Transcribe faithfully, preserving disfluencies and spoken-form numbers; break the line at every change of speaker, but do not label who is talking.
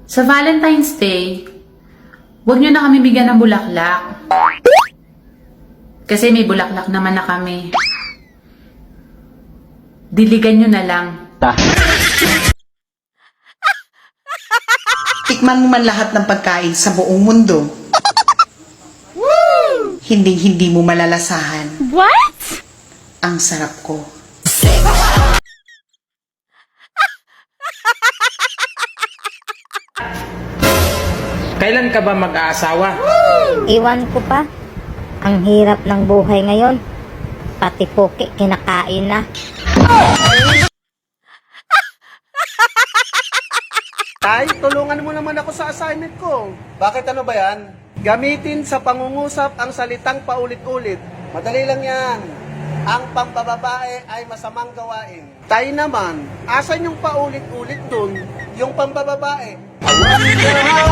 Sa Valentine's Day, huwag nyo na kami bigyan ng bulaklak. Kasi may bulaklak naman na kami. Diligan nyo na lang.
Tikman mo man lahat ng pagkain sa buong mundo. Hindi hindi mo malalasahan.
What?
Ang sarap ko.
Kailan ka ba mag-aasawa?
Iwan ko pa. Ang hirap ng buhay ngayon. Pati poke kinakain na.
Tay, tulungan mo naman ako sa assignment ko. Bakit ano ba yan? Gamitin sa pangungusap ang salitang paulit-ulit. Madali lang yan. Ang pambababae ay masamang gawain. Tay naman, asan yung paulit-ulit dun? Yung pambababae?